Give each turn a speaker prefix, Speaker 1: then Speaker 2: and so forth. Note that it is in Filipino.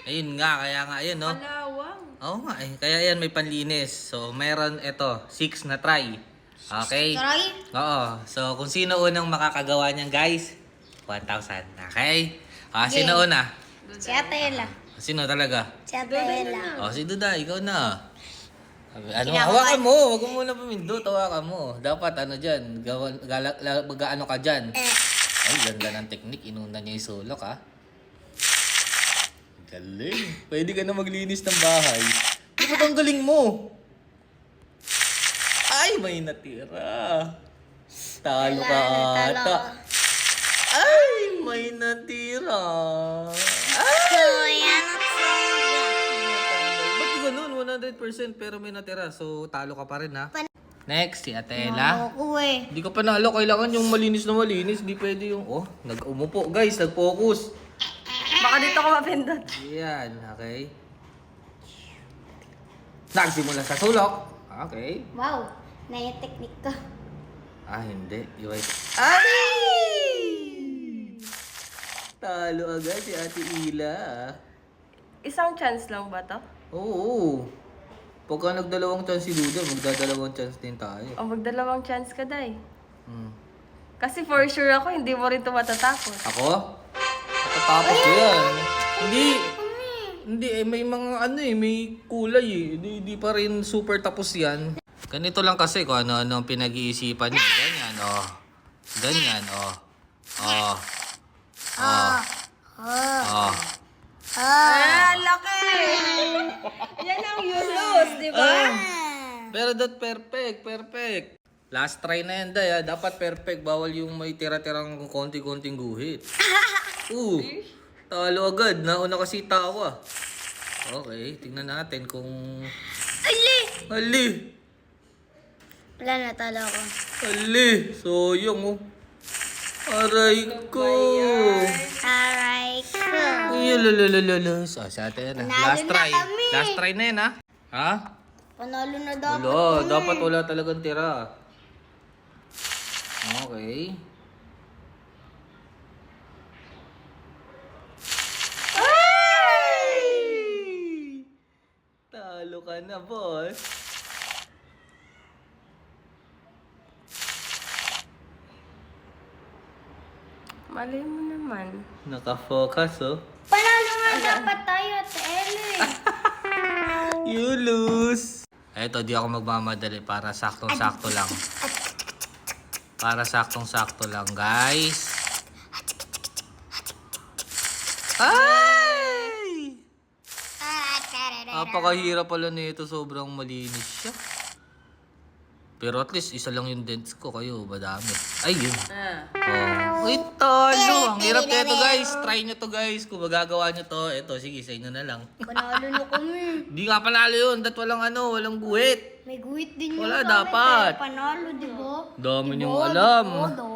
Speaker 1: Ayun nga, kaya nga ayun, no?
Speaker 2: Malawang.
Speaker 1: Oo nga eh. Kaya yan may panlinis. So, meron ito, 6 na try. Okay?
Speaker 3: Try?
Speaker 1: Oo. So, kung sino unang makakagawa niyan, guys, 1,000. Okay? Sino
Speaker 3: Okay.
Speaker 1: una?
Speaker 3: Si Atela.
Speaker 1: Sino talaga?
Speaker 3: Si Atela.
Speaker 1: Si Duda, ikaw na. Ano,
Speaker 3: Kinakabahan.
Speaker 1: hawakan mo. Huwag mo muna pumindot. Hawakan mo. Dapat ano dyan. Mag-ano ka dyan. Ay, ganda ng technique. Inuna niya yung sulok, ha? Galing. Pwede ka na maglinis ng bahay. Ba't ang galing mo? Ay, may natira. Talo ka
Speaker 3: Talo.
Speaker 1: ata. Ay, may natira.
Speaker 3: So, yan ang soga.
Speaker 1: Ba't ganun? 100% pero may natira. So, talo ka pa rin, ha? Next, si Atela.
Speaker 3: Ako eh.
Speaker 1: Hindi ka panalo. Kailangan yung malinis na malinis. Hindi pwede yung... Oh, nag-umupo. Guys, nag-focus.
Speaker 2: Baka dito ko mapindot.
Speaker 1: Yan, okay. Nagsimula sa sulok. Okay.
Speaker 3: Wow. Na yung technique ko.
Speaker 1: Hindi. Iwait. Ay! Talo agad si Ate Ila.
Speaker 2: Isang chance lang ba to?
Speaker 1: Oo. Pagka nagdalawang chance si Duda, magdadalawang chance din tayo.
Speaker 2: O magdalawang chance ka, Day.
Speaker 1: Hmm.
Speaker 2: Kasi for sure ako, hindi mo rin ito matatapos.
Speaker 1: Ako? Matatapos ko yan. Hindi may mga may kulay eh. Hindi pa rin super tapos yan. Ganito lang kasi kung ano-ano ang pinag-iisipan niyo. Ganyan, oh. Ganyan, oh. Oh. Oh. Oh.
Speaker 2: Laki! Yan ang useless, di ba?
Speaker 1: Pero that perfect. Last try na yan, Day. Dapat perfect. Bawal yung may tira-tirang konti-konting guhit. Talo agad. Nauna kasi tawa. Okay, tingnan natin kung... Ali!
Speaker 3: Wala na, talo ko.
Speaker 1: Ali! Sayang, oh. Aray ko!
Speaker 3: Aray ko.
Speaker 1: Lalalala. So, sa atin na.
Speaker 3: Panalo
Speaker 1: Last
Speaker 3: na
Speaker 1: try.
Speaker 3: kami.
Speaker 1: Last try na yan, ha? Ha?
Speaker 3: Panalo na dapat.
Speaker 1: Wala. Dapat wala talagang tira. Okay. Ay! Talo ka na, boss.
Speaker 2: Malay mo naman.
Speaker 1: Nakafocus, oh.
Speaker 3: Panalo nga dapat tayo, Ate Elo eh.
Speaker 1: You lose. Eto, di ako magmamadali para saktong-sakto lang. Para saktong-sakto lang, guys. Ay! Napakahirap pala nito. Sobrang malinis siya. Pero at least, isa lang yung dents ko. Kayo, madami. Ay, yun. Oh. Uy, talo. Ang hirap nito, guys. Try nyo to, guys. Kung magagawa nyo to, eto, sige, sa inyo na lang.
Speaker 3: Panalo na kami.
Speaker 1: Di nga panalo yun. Walang guhit.
Speaker 3: May guhit din
Speaker 1: Wala,
Speaker 3: yung kami,
Speaker 1: dapat.
Speaker 3: pero panalo, di ba?
Speaker 1: Dami
Speaker 3: Di
Speaker 1: niyong
Speaker 3: ba?
Speaker 1: alam.
Speaker 3: Di ba?